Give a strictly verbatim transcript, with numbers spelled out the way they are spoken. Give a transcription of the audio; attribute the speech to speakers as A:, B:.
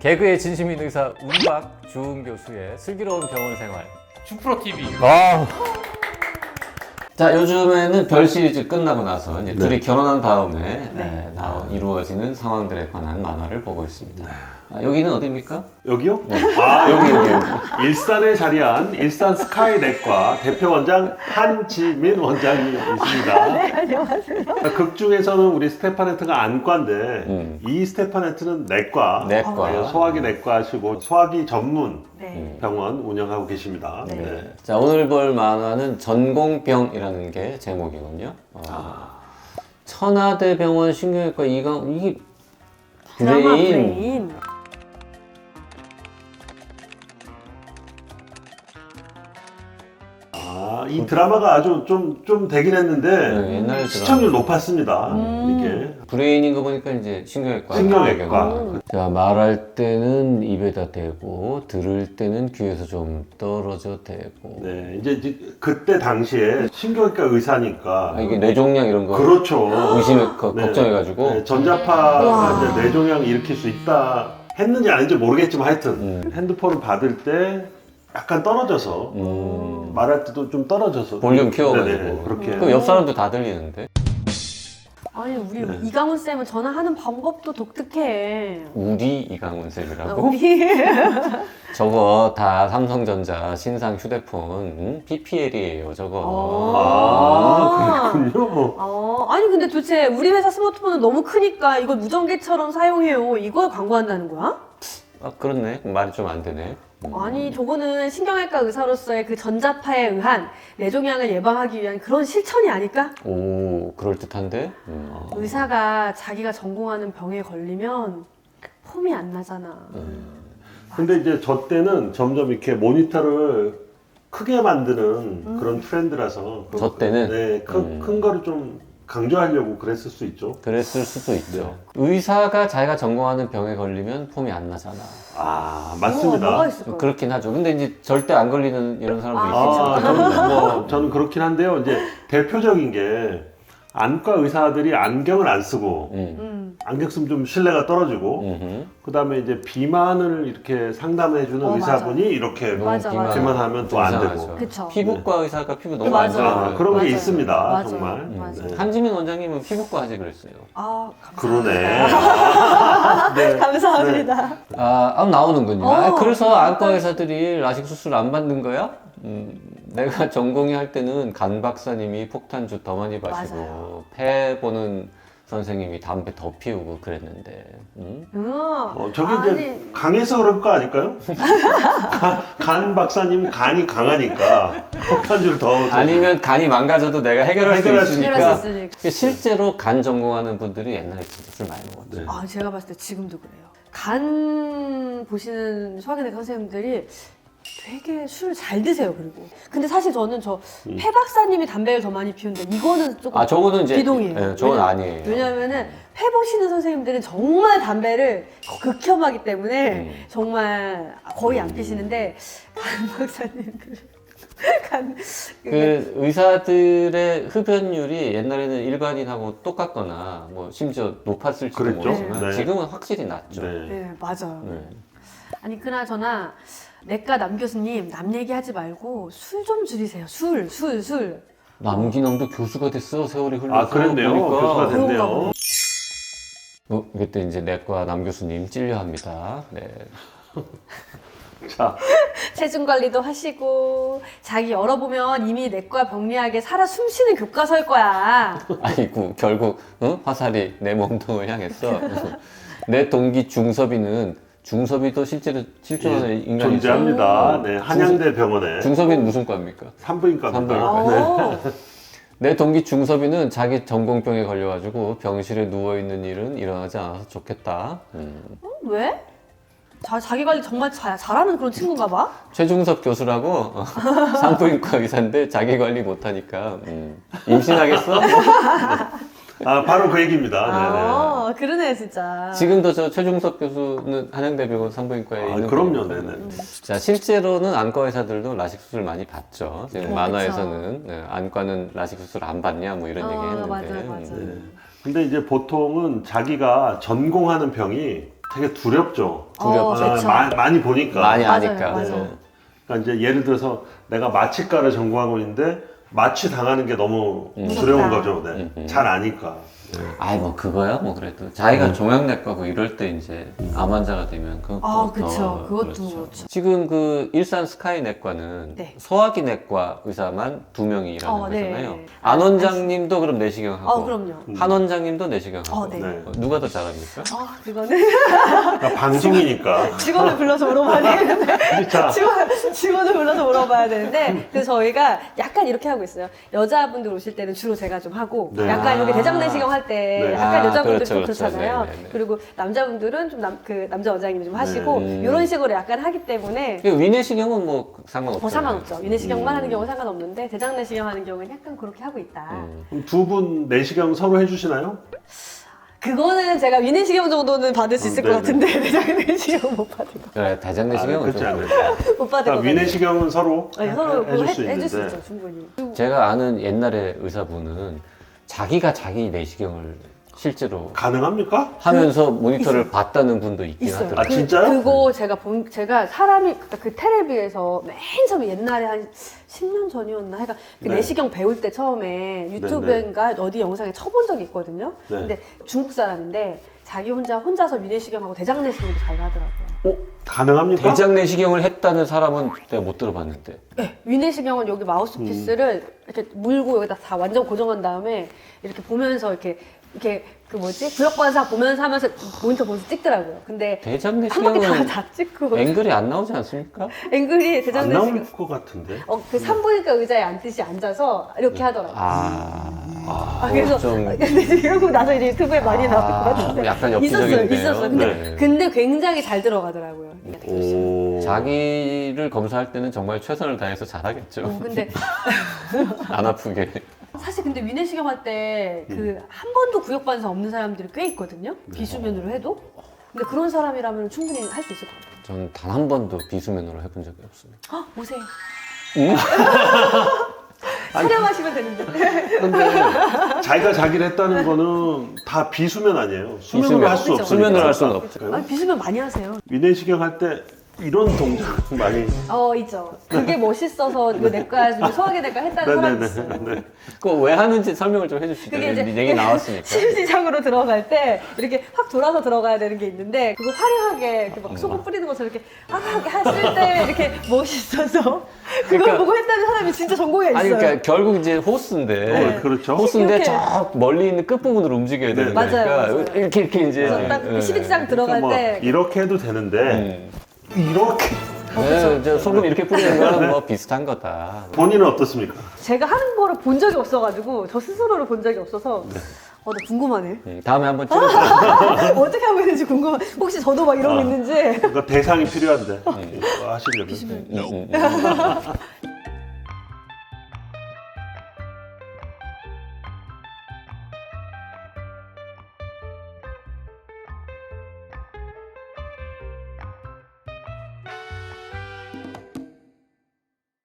A: 개그의 진심인 의사 운박 주은 교수의 슬기로운 병원 생활.
B: 주프로티비.
A: 아. 자, 요즘에는 별 시리즈 끝나고 나서 이제 둘이 결혼한 다음에 네, 나, 이루어지는 상황들에 관한 만화를 보고 있습니다. 아, 여기는 어디입니까?
C: 여기요?
A: 네.
C: 아,
A: 여기 여기 여기.
C: 일산에 자리한 일산 스카이 내과 대표 원장 한지민 원장이 있습니다.
D: 네, 안녕하세요.
C: 극 중에서는 우리 스테파네트가 안과인데
A: 음.
C: 이 스테파네트는 내과,
A: 내과.
C: 네, 소화기 내과시고 소화기 전문
D: 네.
C: 병원 운영하고 계십니다.
D: 네.
C: 네.
A: 자, 오늘 볼 만화는 전공병이라는 게 제목이군요. 어, 천하대병원 신경외과 이강 이게
D: 드라마
A: 브레인.
D: 브레인.
C: 아, 이 드라마가 아주 좀, 좀 되긴 했는데
A: 네, 옛날
C: 시청률
A: 드라마.
C: 높았습니다.
D: 음.
C: 이게.
A: 브레인인 거 보니까 이제 신경외과.
C: 신경외과.
D: 음.
A: 자, 말할 때는 입에다 대고 들을 때는 귀에서 좀 떨어져 대고.
C: 네, 이제, 이제 그때 당시에 신경외과 의사니까
A: 아, 이게 뇌종양 이런 거
C: 그렇죠.
A: 의심해 거-
C: 네.
A: 걱정해가지고.
C: 네, 전자파가
D: 와.
C: 이제 뇌종양 일으킬 수 있다 했는지 아닌지 모르겠지만 하여튼
A: 음.
C: 핸드폰을 받을 때 약간 떨어져서
A: 음.
C: 말할 때도 좀 떨어져서
A: 볼륨 키워가지고.
C: 네네, 그렇게
A: 그럼 옆 사람도 다 들리는데.
D: 아니 우리
C: 네.
D: 이강훈 쌤은 전화하는 방법도 독특해.
A: 우리 이강훈
D: 아,
A: 쌤이라고?
D: 우리
A: 저거 다 삼성전자 신상 휴대폰 음? 피피엘이에요 저거.
C: 아, 그렇군요.
D: 어, 아니 근데 도대체 우리 회사 스마트폰은 너무 크니까 이걸 무전기처럼 사용해요. 이걸 광고한다는 거야?
A: 아, 그렇네. 말이 좀 안 되네. 음.
D: 아니 저거는 신경외과 의사로서의 그 전자파에 의한 뇌종양을 예방하기 위한 그런 실천이 아닐까?
A: 오, 그럴듯한데? 음.
D: 의사가 자기가 전공하는 병에 걸리면 폼이 안 나잖아.
C: 근데 이제 저 때는 점점 이렇게 모니터를 크게 만드는
D: 음.
C: 그런 트렌드라서
A: 저 때는?
C: 네, 큰,
A: 음.
C: 큰 거를 좀 강조하려고 그랬을 수 있죠.
A: 그랬을 수도 있죠.
C: 네.
A: 의사가 자기가 전공하는 병에 걸리면 폼이 안 나잖아.
C: 아,
D: 어,
C: 맞습니다.
D: 뭐가 있을까?
A: 그렇긴 하죠. 근데 이제 절대 안 걸리는 이런 사람도
D: 아,
A: 있겠죠.
C: 아, 저는, 뭐, 저는 그렇긴 한데요. 이제 대표적인 게 안과 의사들이 안경을 안 쓰고
A: 음.
D: 음.
C: 안경 쓰면 좀 신뢰가 떨어지고
A: 음흠.
C: 그 다음에 이제 비만을 이렇게 상담해주는
D: 어,
C: 의사분이
D: 맞아.
C: 이렇게
A: 너무
D: 맞아,
A: 비만-
D: 맞아.
C: 비만하면 또 안
A: 이상하죠.
C: 되고.
D: 그쵸.
A: 피부과 의사가 피부 너무
D: 맞아.
A: 안
C: 아,
A: 좋아요.
C: 그런 게
D: 맞아요.
C: 있습니다.
D: 맞아요.
C: 정말.
D: 맞아요.
C: 네.
A: 한지민 원장님은 피부과 하지 그랬어요.
D: 아, 감사합니다.
C: 그러네. 아, 네.
D: 감사합니다.
A: 아, 아 나오는군요.
D: 어.
A: 아, 그래서 안과 의사들이 라식 수술 안 받는 거야? 음, 내가 전공의 할 때는 간 박사님이 폭탄주 더 많이 마시고
D: 맞아요.
A: 폐 보는 선생님이 담배 더 피우고 그랬는데. 음?
D: 음.
C: 어, 저게
D: 아니,
C: 이제 강해서 그럴 거 아닐까요? 간, 간 박사님 간이 강하니까 폭탄주를 더. 더-
A: 아니면 간이 망가져도 내가 해결할,
C: 해결할
A: 수
C: 수
D: 해결할
A: 있으니까.
D: 수 있으니까.
A: 실제로 간 전공하는 분들이 옛날에 진짜 술 많이 먹었죠.
C: 네.
D: 아, 제가 봤을 때 지금도 그래요. 간 보시는 소화기내과 선생님들이 되게 술 잘 드세요, 그리고. 근데 사실 저는 저
C: 음.
D: 폐 박사님이 담배를 더 많이 피우는데 이거는 조금
A: 아, 저거는 이제.
D: 비동이에요.
A: 예, 저건
D: 왜냐-
A: 아니에요.
D: 왜냐면은 폐 보시는 선생님들은 정말 담배를 극혐하기 때문에
A: 음.
D: 정말 거의 안 피시는데 간 박사님 그 간,
A: 그 의사들의 흡연율이 옛날에는 일반인하고 똑같거나 뭐 심지어 높았을지도
C: 그랬죠.
A: 모르지만
C: 네.
A: 지금은 확실히 낮죠.
C: 네.
D: 네, 맞아요.
A: 네.
D: 아니 그나저나 내과 남 교수님 남 얘기하지 말고 술 좀 줄이세요. 술, 술, 술.
A: 남기남도 교수가 됐어 세월이 흘러서
C: 아, 그랬네요.
A: 보니까.
C: 교수가
D: 그런가
C: 됐네요.
D: 보네.
A: 어, 그때 이제 내과 남 교수님 찔려합니다. 네.
C: 자,
D: 체중 관리도 하시고 자기 열어보면 이미 내과 병리학에 살아 숨쉬는 교과서일 거야.
A: 아이고 결국 어? 화살이 내 몸통을 향했어. 내 동기 중섭이는 중섭이도 실제로 실존하는
C: 예,
A: 인간이죠.
C: 존재합니다. 네, 한양대 병원에
A: 중섭이는 무슨 과입니까?
C: 산부인과입니다.
A: 산부인과.
D: 오.
A: 내 동기 중섭이는 자기 전공병에 걸려가지고 병실에 누워있는 일은 일어나지 않아서 좋겠다. 음.
D: 어, 왜? 자, 자기 관리 정말 잘, 잘하는 그런 친구인가 봐.
A: 최중섭 교수라고 어, 산부인과 의사인데 자기 관리 못하니까 음. 임신하겠어?
C: 아, 바로 그 얘기입니다.
D: 아, 그러네 진짜.
A: 지금도 저 최중섭 교수는 한양대병원 산부인과에
C: 네네. 아,
A: 있는
C: 그럼요.
A: 거니까.
C: 네네.
A: 자, 실제로는 안과 의사들도 라식 수술 많이 받죠. 지금
D: 어,
A: 만화에서는 네, 안과는 라식 수술 안 받냐 뭐 이런
D: 어,
A: 얘기 했는데.
D: 맞아요, 맞아요.
A: 음.
C: 근데 이제 보통은 자기가 전공하는 병이 되게 두렵죠.
D: 어,
C: 아,
D: 그쵸.
C: 마- 많이 보니까.
A: 많이
D: 맞아요,
A: 아니까.
D: 맞아요.
C: 그러니까 이제 예를 들어서 내가 마취과를 전공하고 있는데 마취 당하는 게 너무
A: 음.
C: 두려운
D: 무섭다.
C: 거죠. 네.
A: 음, 음.
C: 잘 아니까. 네.
A: 아이 뭐 그거야 뭐 그래도 자기가 종양내과고 이럴 때 이제 암 환자가 되면 그거
D: 아,
A: 더
D: 그쵸. 그것도
A: 그렇죠.
D: 그렇죠.
A: 지금 그 일산 스카이내과는
D: 네.
A: 소화기 내과 의사만 두 명이 일하는
D: 어, 네.
A: 거잖아요. 안 원장님도 그럼 내시경 하고
D: 어, 그럼요.
A: 한 원장님도 내시경 하고
D: 어, 네.
C: 네.
A: 어, 누가 더 잘합니까?
D: 아, 그거는
C: 그러니까 방송이니까.
D: 직원을 불러서 물어봐야 되는데
C: 자,
D: 직원, 직원을 불러서 물어봐야 되는데 그래서 저희가 약간 이렇게 하고 있어요. 여자분들 오실 때는 주로 제가 좀 하고
C: 네.
D: 약간 이렇게
A: 아.
D: 대장 내시경 할 때
C: 네.
D: 약간
A: 아,
D: 여자분들
A: 그렇죠,
D: 좀
A: 그렇죠.
D: 그렇잖아요.
A: 네, 네, 네.
D: 그리고 남자분들은 좀 남, 그 남자 원장님이 좀 하시고
A: 음.
D: 이런 식으로 약간 하기 때문에
A: 그 위내시경은 뭐 상관없죠.
D: 뭐 상관없죠. 위내시경만
C: 음.
D: 하는 경우는 상관없는데 대장 내시경 하는 경우는 약간 그렇게 하고 있다.
A: 음.
C: 두 분 내시경 서로 해주시나요?
D: 그거는 제가 위내시경 정도는 받을 수
C: 음,
D: 있을
C: 네네.
D: 것 같은데 대장 내시경 못 받을 것
A: 그래 대장
C: 아,
A: 내시경은
C: 그렇지
A: 좀
C: 않아요.
D: 못 받을 것
C: 그러니까 위내시경은 서로
D: 같아요. 아니, 서로
C: 해,
D: 그거
C: 해줄 수
D: 해, 해줄 수
C: 있는데.
D: 있죠 충분히.
A: 제가 아는 옛날에 의사분은 자기가 자기 내시경을 실제로
C: 가능합니까?
A: 하면서 모니터를 봤다는 분도 있긴
D: 있어요.
A: 하더라고요.
C: 아, 진짜요?
D: 그거 제가 본 제가 사람이 그, 그 텔레비에서 맨 처음에 옛날에 한 십 년 전이었나 해가 그
C: 네.
D: 내시경 배울 때 처음에 유튜브인가 어디 영상에 쳐본 적이 있거든요.
C: 네.
D: 근데 중국 사람인데 자기 혼자 혼자서 위내시경하고 대장 내시경도 잘 하더라고요.
C: 어? 가능합니까?
A: 대장 내시경을 했다는 사람은 내가 못 들어봤는데.
D: 네, 위내시경은 여기 마우스피스를 이렇게 물고 여기다 다 완전 고정한 다음에 이렇게 보면서 이렇게 이렇게 그 뭐지 구역관사 보면서 하면서 모니터 보면서 찍더라고요. 근데
A: 대장
D: 한 바퀴 다,
A: 내시경은
D: 다 찍고
A: 앵글이 안 나오지 않습니까?
D: 앵글이 대장
C: 안
D: 내시경
C: 나올 것 같은데.
D: 어, 그 산부인과 의자에 앉듯이 앉아서 이렇게 하더라고요.
A: 아,
D: 아, 그래서
A: 좀
D: 근데 이러고 나서 이제 유튜브에 많이 나올 것 같은데
A: 약간
D: 있었어요,
A: 엽기적인데요.
D: 있었어요. 근데
A: 네.
D: 근데 굉장히 잘 들어가더라고요.
C: 오.
A: 자기를 검사할 때는 정말 최선을 다해서 잘하겠죠.
D: 어, 근데
A: 안 아프게.
D: 사실 근데 위내시경 할 때 그 한 번도 구역반사 없는 사람들이 꽤 있거든요. 비수면으로 해도. 근데 그런 사람이라면 충분히 할 수 있을 것 같아요.
A: 저는 단 한 번도 비수면으로 해본 적이 없습니다.
D: 아, 오세요.
A: 응?
D: 촬영하시면 되는데.
C: 근데 자기가 자기를 했다는 거는 다 비수면 아니에요. 수면으로
A: 비수면.
C: 할 수
D: 그렇죠.
C: 없으니까.
A: 수면으로 할 수는 없죠.
C: 그래요?
D: 아니, 비수면 많이 하세요.
C: 위내시경 할 때 이런 동작 많이.
D: 어, 있죠. 그게 멋있어서 그 내과, 소화기 내과 했다는 사람이 있어요.
C: 네네네.
A: 그거 왜 하는지 설명을 좀 해주시죠.
D: 그게 이제
A: 얘기 나왔으니까.
D: 심시장으로 들어갈 때 이렇게 확 돌아서 들어가야 되는 게 있는데 그거 화려하게 이렇게 막 소금 뿌리는 것처럼 이렇게 아 이렇게 했을 때 이렇게 멋있어서 그걸
A: 그러니까-
D: 보고 했다는 사람이 진짜 전공에 있어요.
A: 아니 그러니까 결국 이제 호스인데
C: 네, 그렇죠.
A: 호스인데
D: 이렇게.
A: 저 멀리 있는 끝 부분으로 움직여야 되는
C: 네,
A: 거니까
D: 맞아요, 맞아요.
A: 이렇게 이렇게 이제
D: 그래서 딱
A: 예,
D: 십이 장 들어갈
C: 그러니까 뭐
D: 때
C: 이렇게 해도 되는데
A: 음.
C: 이렇게
A: 네, 저 소금 이렇게 뿌리는 거랑 뭐 비슷한 거다.
C: 본인은 어떻습니까?
D: 제가 하는 거를 본 적이 없어가지고 저 스스로를 본 적이 없어서 어, 나 궁금하네.
A: 음, 다음에 한번 찍어보세요.
D: 어떻게 하고 있는지 궁금해. 혹시 저도 막 이런 거
C: 아.
D: 있는지.
C: 그러니까 대상이 필요한데 이거 하시려면
A: 음, 음, 음.